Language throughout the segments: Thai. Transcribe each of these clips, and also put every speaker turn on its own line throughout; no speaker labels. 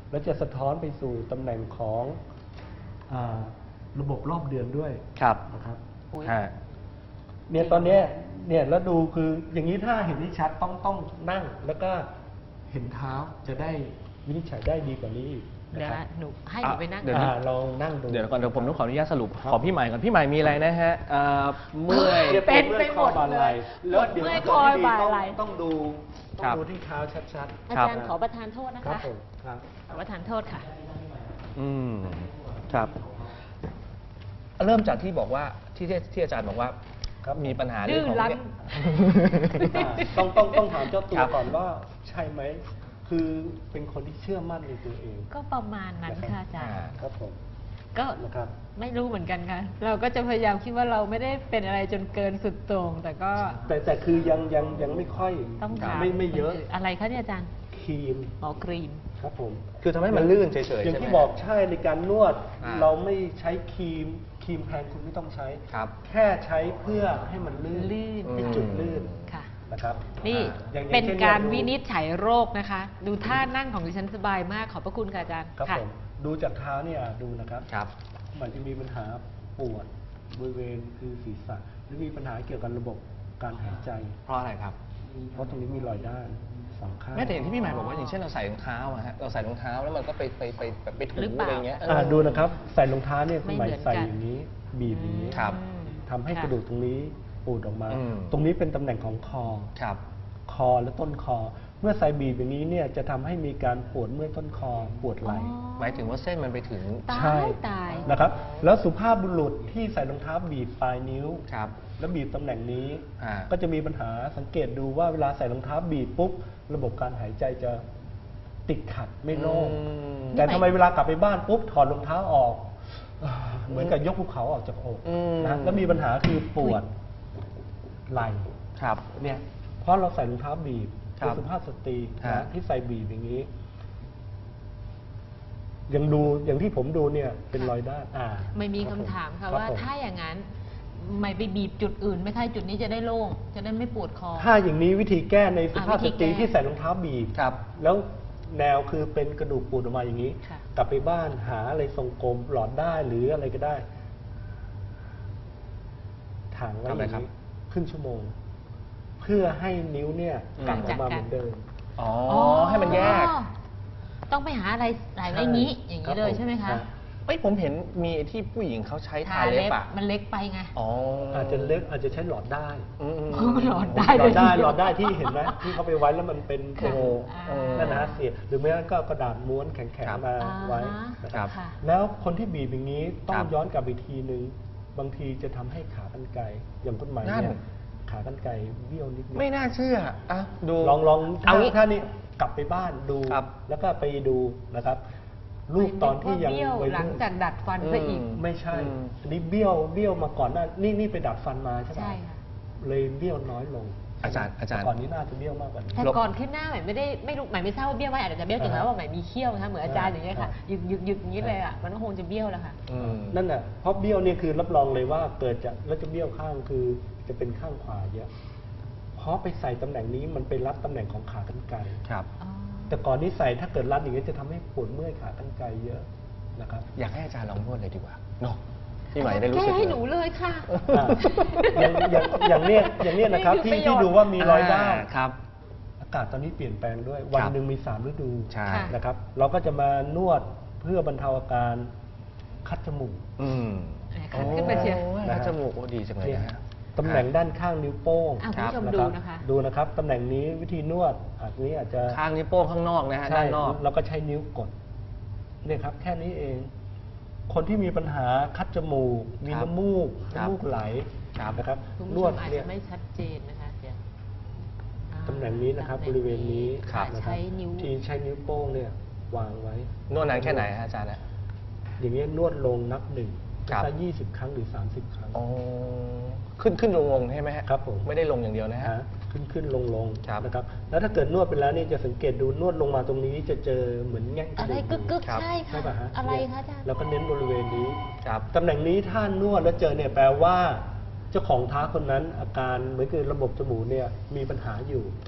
แล้วจะสะท้อนไปสู่ตำแหน่งของระบบรอบเดือนด้วยนะครับ เนี่ยตอนนี้เนี่ยแล้วดูคืออย่างนี้ถ้าเห็นที่ชัดต้องนั่งแล้วก็เห็นเท้าจะได้วินิจฉัยได้ดีกว่านี้อีก
เดี๋ยวหนูให้หนูไปนั่ง
ลองนั่งดู
เดี๋ยวก่อนเดี๋ยวผมต้องขออนุญาตสรุปของพี่ใหม่ก่อนพี่ใหม่มีอะไรนะฮะเมื่อย
เป็นไปหมดเลย
แล้วเดี๋ยว
เมื่อยคอยบ่าไหล่
ต้องดูที่เท้าชัดๆ
อาจารย์ขอประทานโทษนะ
ครั
คะ
บผมครับ
ขอประทานโทษค่ะ
ครับเริ่มจากที่บอกว่าที่อาจารย์บอกว่ามีปัญหาเรื่องของเนี่ย
ต้องถามเจ้าตัวก่อนว่าใช่ไหมคือเป็นคนที่เชื่อมั่นในตัวเอง
ก็ประมาณนั้นค่ะอาจารย์
ครับผม
ก็
นะครับ
ไม่รู้เหมือนกันค่ะ เราก็จะพยายามคิดว่าเราไม่ได้เป็นอะไรจนเกินสุดโต่งแต่ก็
แต่คือยังไม่ค่อย
ต้องถาม
ไม่เยอะ
อะไรคะเนี่ยอาจารย์
ครีม
ครีม
ครับผม
คือทำให้มันลื่นเฉยๆ
อย่าง
ใช่ไหม
ที่บอกใช่ในการนวด
เรา
เราไม่ใช้ครีมแพงคุณไม่ต้องใช้
ครับ
แค่ใช้เพื่อให้มันลื่น เป็นจุดลื่น
ค่ะ
นะครับ
นี่
อย่าง
เป็น
ช่
การ
ดู
วินิจฉัยโรคนะคะ ดูท่านั่งของดิฉันสบายมากขอบพระคุณค่ะอาจารย์
ครับ
ค่ะ
ผมดูจากเท้าเนี่ยดูนะครับ
ครับ
มันจะมีปัญหาปวดบริเวณคือศีรษะหรือมีปัญหาเกี่ยวกับระบบการหายใจ
เพราะอะไรครับ
เพราะตรงนี้มีรอยด้านสองข้าง
แม้แต่อย่างที่พี่ใหม่บอกว่าอย่างเช่นเราใส่รองเท้าอะฮะเราใส่รองเท้าแล้วมันก็ไปถู
หรือเปล่า
อะไรเงี้ย
ดูนะครับใส่รองเท้าเนี่ยคุณหมาย
ไม่เหมือนกัน
ใส่อย่างนี้ บีบอย่างนี้
ครับ
ทำให้
ค่ะ
กระดูกตรงนี้ปูดออกมา
อืม
ตรงนี้เป็นตำแหน่งของคอ
ครับ
คอและต้นคอ เมื่อใส่บีบอย่างนี้เนี่ยจะทำให้มีการปวดเมื่อยต้นคอปวดไหล่
หมายถึงว่าเส้นมันไปถึง
ตา
ใช่
ยตาย
นะครับ แล้วสุภาพบุรุษที่ใส่รองเท้าบีบปลายนิ้ว
ครับ
แล้วบีบตำแหน่งนี้
อ่า
ก็จะมีปัญหาสังเกตดูว่าเวลาใส่รองเท้าบีบปุ๊บระบบการหายใจจะติดขัดไม่โล่ง แต่ทำไมเวลากลับไปบ้านปุ๊บถอดรองเท้าออกเหมือนกับยกภูเขาออกจากอกนะแล้วมีปัญหาคือปวดไหล่
ครับ
เนี่ยเพราะเราใส่รองเท้าบีบ
ครั
เป็น
บ
สุภาพสตรี
ฮะ
นะที่ใส่บีบอย่างนี้ยังดูอย่างที่ผมดูเนี่ยเป็นรอยด้าน
ไม่มี
รับ
คำถามค่ะ
รับ
ว่า
ผม
ถ้าอย่างนั้นไม่ไปบีบจุดอื่นไหม่ใช่จุดนี้จะได้โล่งจะได้ไม่ปวดคอ
ถ้าอย่างนี้วิธีแก้ในสุภาพ
วิธี
สตรี
แก้
ที่ใส่รองเท้าบีบ
ครับ
แล้วแนวคือเป็นกระดูกปูดออกมาอย่างนี้
ค่ะ
กลับไปบ้านหาอะไรทรงกลมหลอดได้หรืออะไรก็ได้ถางไว้อย่างนี้ครึ่งชั่วโมง เพื่อให้นิ้วเนี่ยกลับออกมาเหมือนเดิม
อ๋อให้มันแยก
ต้องไปหาอะไรใส่ไว้อย่างนี้อย่างนี้เลยใช่ไหมคะ
เอ้ยผมเห็นมีที่ผู้หญิงเขาใช้ทาเล็บอะ
มันเล็กไปไง
อ๋อ
อาจจะเล็กอาจจะใช้หลอดได้
หลอดได้
หลอดได้หลอดได้ที่เห็นไหมที่เขาไปไว้แล้วมันเป็น
ค่ะ
นั่นนะเสียบหรือไม่งั้นก็กระดาษม้วนแข็ง
ครับ
ๆมาไว้นะ
ค
ค
รั
รับ บ แล้วคนที่บีบอย่างนี้ต้อ
ครั
ง
บ
ย้อนกลับไปทีนึงบางทีจะทำให้ขากรรไกรอย่างต้นไม้
นั่
เนี่ย
น
ขากรรไกรเบี้ยวนิดนึง
ไม่น่าเชื่ออ่ะดู
ลอง
เอางี้
ถ้านี่กลับไปบ้านดู
ครับ
แล้วก็ไปดูนะครับรูปตอนที่ยัง
เบี้ยว
วัย
หลัง
รุ่น
จากดัดฟันซะอีก
ไม่ใช่
อืม
อันนี้เบี้ยวมาก่อนหน้านี่ไปดัดฟันมาใช่ไหม
ใช่ค่ะ
เลยเบี้ยวน้อยลง
อาจารย์
แต่ก่อนนี้น่าจะเบี้ยวมากกว่านี้
แต่ก่อนขึ้นหน้าใหม่ไม่รู้ใหม่ไม่ทราบว่าเบี้ยวไหมอาจจะเบี้ยวจริงแล้วว่าใหม่มีเขี้ยวนะคะเหมือนอาจารย์อย่างเงี้ยค่ะยึกอย่างนี้เลยอ่ะมันก็คงจะเบี้ยวแล้วค่ะ
นั่นน่ะเพราะเบี้ยวเนี่ยคือรับรองเลยว่าเกิดจากแล้วจะเบี้ยวข้างคือจะเป็นข้างขวาเยอะเพราะไปใส่ตำแหน่งนี้มันไปรับตำแหน่งของขากรรไกร
ครับ
แต่ก่อนนี้ใส่ถ้าเกิดรัดอย่างนี้จะทำให้ปวดเมื่อยขากรรไกรเยอะนะครับ
อยากให้อาจารย์ลองนวดเลยดีกว่าเนาะพี่ใหม่ได้รู้สึก
แก้ให้หนูเลยค่ะ
อ่ะอย่างเนี้ยนะครับ
นี่คือประโยชน์
ที่ดูว่ามีรอยด้าน
ครับ
อากาศตอนนี้เปลี่ยนแปลงด้วย วันหนึ่งมี3ฤดู
ใช่
นะครับ เราก็จะมานวดเพื่อบรรเทาอาการคัดจมูก
คัดขึ้นมาเชียว
คัดจมูกโอ้ดีจังเลย
เนี่ย
นะฮะ
ตำแหน่งด้านข้างนิ้วโป้ง
คุณผู้ชม
รับ
ดูนะคะ
ดูนะครับตำแหน่งนี้วิธีนวดนี้อาจจะ
ข้างนิ้วโป้งข้างนอกนะฮะ
ใช่
ด้านนอก
เราก็ใช้นิ้วกดเนี่ยครับ แค่นี้เอง คนที่มีปัญหาคัดจมูก มี
ครับ
น้ำมูก
ครับ
น้ำมูกไหล
ครับ
นะครับ
คุณ
น
ผู้
ว
ช
ด
มอาจ
เนี่ย
จะไม่ชัดเจนนะคะเดี๋ยว
ตำแหน่งนี้นะครับบริเวณนี้
ค่ะ
นะครั
ใช้
บ
นิ้ว
ที่ใช้นิ้วโป้งเนี่ยวางไว้
นวดนานแค่ไหนฮะอาจารย์นะ
อย่างนี้ยนวดลงนับหนึ่ง
ครับ
สัก20 ครั้งหรือ 30 ครั้ง
อ๋อขึ้นลงใช่ไหมฮะ
ครับผม
ไม่ได้ลงอย่างเดียวนะฮะ
ขึ้นลง
ครับ
นะครับ แล้วถ้าเกิดนวดไปแล้วเนี่ยจะสังเกตดูนวดลงมาตรงนี้จะเจอเหมือนแง่งกระ
อะไร
ดูก
กึก
ครับ
ใช่
ใช่
ค่ะ
ป่ะฮะ
อะไร
เนี่ย
คะอาจารย์
แล้วก็เน้นบริเวณนี้
ครับ
ตำแหน่งนี้ถ้านวดแล้วเจอเนี่ยแปลว่า เจ้าของเท้าคนนั้นอาการเหมือนคือระบบจมูกเนี่ยมีปัญหาอยู่
ครับ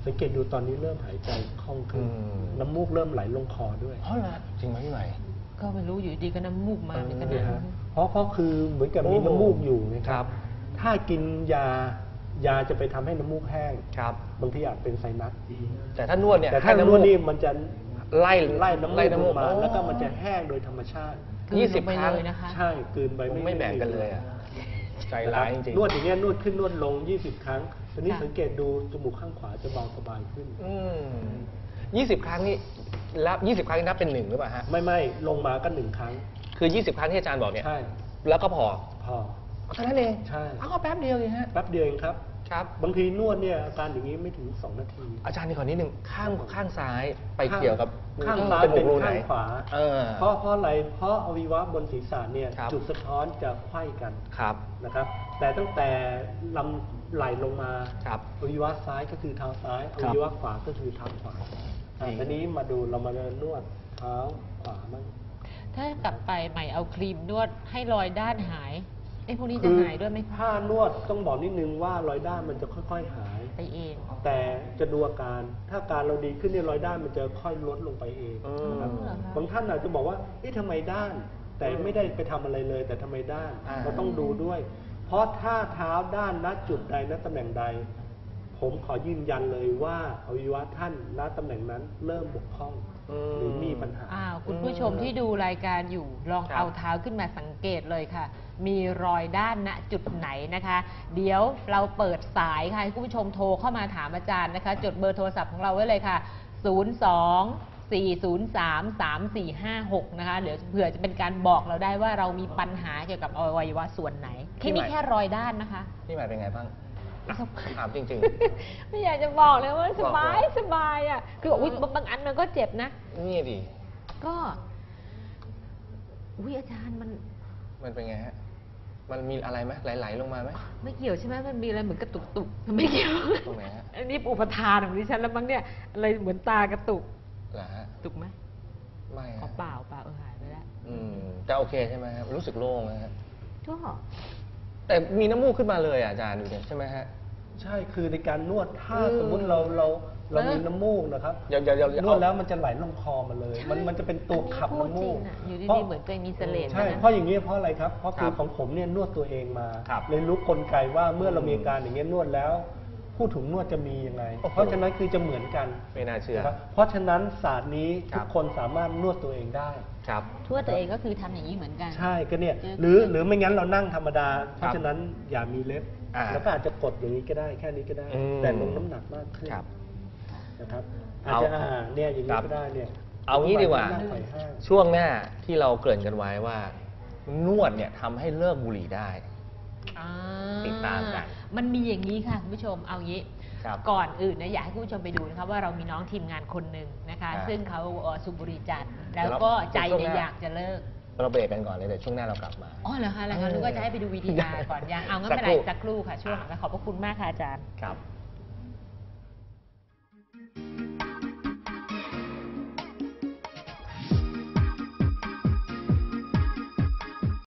สังเกตดูตอนนี้เริ่มหายใจคล่องขึ้น น้ำมูกเริ่มไหลลงคอด้วย
เพราะอะไรจริงไหมพี่ใหม่
ก็ไม่รู้อยู่ดีก็น้ำมูกมาเหมือนกัน
เนี่ย
นะ
ฮะเพราะคือเหมือนกับมีน้ำมูกอยู่นะค
ครั
รับ
บ
ถ้ากินยาจะไปทำให้น้ำมูกแห้ง
ครับ
บางทีอาจเป็นไซนัส
แต่ถ้านวดเนี่ย
แต่
ให้
ถ้านวดนี่มันจะ
ไล่
ไล่น้ำมูกลงมา
อ๋อ
แล้วก็มันจะแห้งโดยธรรมชาติ
กลืน
20
ลงไป
ครั้ง
เลยนะคะ
ใช่กลืนไป
ผมไม่แบ่งกันเลยอ่ะ ใจ
นะค
ร้า
บ
ยจริงๆ
นวดอย่างเงี้ยนวดขึ้นนวดลง 20 ครั้งตอนนี้
ค่ะ
สังเกตดูจมูกข้างขวาจะเบาสบายขึ้น
20 ครั้งนี่แล้ว20 ครั้งนี่นับเป็น1หรือเปล่าฮะ
ไม่ลงมาก็1 ครั้ง
คือ 20 ครั้งที่อาจารย์บอกเนี่ย
ใช่
แล้วก็พอ
พอ
เท่านั้นเอง
ใช่
เอาก็แป๊บเดียวเองฮะ
แป๊บเดียวเองครับ
ครับ
บางทีนวดเนี่ยอาการอย่างนี้ไม่ถึง 2 นาที
อาจารย์นี่ขอนิดนึงข้างซ้ายไปเกี่ยวกับ
ข้างซ้าย
จมู
เป็
ก
น
รูไหน
ข้างขวา
เออ
เพราะอะไรเพราะอวัยวะบนศีรษะเนี่ย
ครับ
จุดสะท้อนจะไขว้กัน
ครับ
นะครับ แต่ตั้งแต่ลำไหลลงมา
ครับ
อวัยวะซ้ายก็คือเท้าซ้ายอวัยวะขวาก็คือเท้าขวา
ดี
ทีนี้มาดูเรามานวดเท้าขวามั่ง
ถ้ากลับไปใหม่เอาครีมนวดให้รอยด้านหายไอ้พวกนี้จะหายด้วยไหมคะ
ถ้านวดต้องบอกนิดนึงว่ารอยด้านมันจะค่อยๆหาย
ไปเอง
แต่จะดูอาการ ถ้าอาการเราดีขึ้นเนี่ยรอยด้านมันจะค่อยลดลงไปเองนะครับ
เหรอคะ
บางท่านอาจจะบอกว่าเอ๊ะทำไมด้าน แต่ไม่ได้ไปทำอะไรเลย แต่ทำไมด้าน
อ่า
เราต้องดูด้วย เพราะถ้าเท้าด้านณจุดใดณตำแหน่งใด ผมขอยืนยันเลยว่าอวัยวะท่านณตำแหน่งนั้นเริ่มบกพร่องหรือมีปัญหา
อ้าวคุณผู้ชมที่ดูรายการอยู่ลอง
ครับ
เอาเท้าขึ้นมาสังเกตเลยค่ะ มีรอยด้านณจุดไหนนะคะ เดี๋ยวเราเปิดสายค่ะให้คุณผู้ชมโทรเข้ามาถามอาจารย์นะคะ จดเบอร์โทรศัพท์ของเราไว้เลยค่ะ 02-403-3456 นะคะเดี๋ยวเผื่อจะเป็นการบอกเราได้ว่าเรามีปัญหาเกี่ยวกับอวัยวะส่วนไหนแค่นี้แค่รอยด้านนะคะ
พี่ใหม่เป็นไงบ้างถามจริง
ไม่อยากจะบอกเลยว่าสบาย
บอกเลย
สบายอ่ะคืออุ๊ยบางอันมันก็เจ็บนะ
ๆ นี่ดิ
ก็อุ้ยอาจารย์มัน
มันเป็นไงฮะ มันมีอะไรไหมไหลๆลงมาไหม
ไม่เกี่ยวใช่ไหมมันมีอะไรเหมือนกระตุกตุกไม่เกี่ยว
ตรงไหนฮะ
อันนี้อุปทานของดิฉันแล้วมั้งเนี่ยอะไรเหมือนตากระตุก
เหรอฮะ
ตุกไหม
ไม่
อ๋อ
ฮะ
เปล่าหายไปแล้ว
แต่โอเคใช่ไหมครับรู้สึกโล่งนะฮะ
ก็
แต่มีน้ำมูกขึ้นมาเลยอ่ะอาจารย์ดูเนี่ยใช่ไหมฮะ
ใช่คือในการนวดถ้าสมมุติเรามีน้ำมูกนะครับ
เดี๋ยว
นวดแล้วมันจะไหลลงคอมาเลย มันจะเป็นตัวขับ
อันนี้พูด
น้ำมูก
จริงอะอยู่
พราะ
ดีๆเหมือนตัวเองมีเสลด
ใช่
นะ
เพราะอย่างนี้เพราะอะไรครับ เพราะคือ
ครับ
ของผมเนี่ยนวดตัวเองมา
ครับ
เลยรู้กลไกว่าเมื่อเรามีอาการอย่างเงี้ยนวดแล้ว ผู้ถูกนวดจะมียังไง
โอ้โห
เพราะฉะนั้นคือจะเหมือนกัน
ไม่น่าเชื่อ
นะครับเพราะฉะนั้นศาสตร์นี้
ครั
ทุ
บ
กคนสามารถนวดตัวเองได้
ครับ
ทั่วตัวเองก็คือทำอย่างนี้เหมือนกัน
ใช่ก็เนี่ย
เจอ
หรือไม่งั้นเรานั่งธรรมดา เพราะฉะนั้นอย่ามีเล็บ
อ่า
แล้วก็อาจจะกดอย่างนี้ก็ได้แค่นี้ก็ได้
อืม
แต่ลงน้ำหนักมากขึ้น
ครับ
นะครับอาจ
เอา
จะเนี่ยอย่าง
ครั
นี้
บ
ก็ได้เนี่ย
เอางี้ดีกว่า
นั่งไขว่ห้าง
ช่วงหน้าที่เราเกริ่นกันไว้ว่า นวดเนี่ยทำให้เลิกบุหรี่ได้
อ่า
ติดตามกัน
มันมีอย่างนี้ค่ะคุณผู้ชมเอางี้
ครับ
ก่อนอื่นนะอยากให้คุณผู้ชมไปดูนะคะว่าเรามีน้องทีมงานคนหนึ่งนะคะ
อ่า
ซึ่งเขาสูบบุหรี่จัดแล้ว
เดี๋ยวเรา
ก็ใจ
ช่วง
เนี่ย
หน้า
อยากจะเลิก
เราเบรกกันก่อนเลยเดี๋ยวช่วงหน้าเรากลับมา
อ๋อเหรอคะอะไรคะนึกว่าจะให้ไปดู VTR ก่อนยังเอางั้นไม่เป็นไร
สั
สั
ก
ก
ค
ค
รู่
รู่ค่ะช่วงหลังขอบพระคุณมากค่ะอาจารย์
ครับ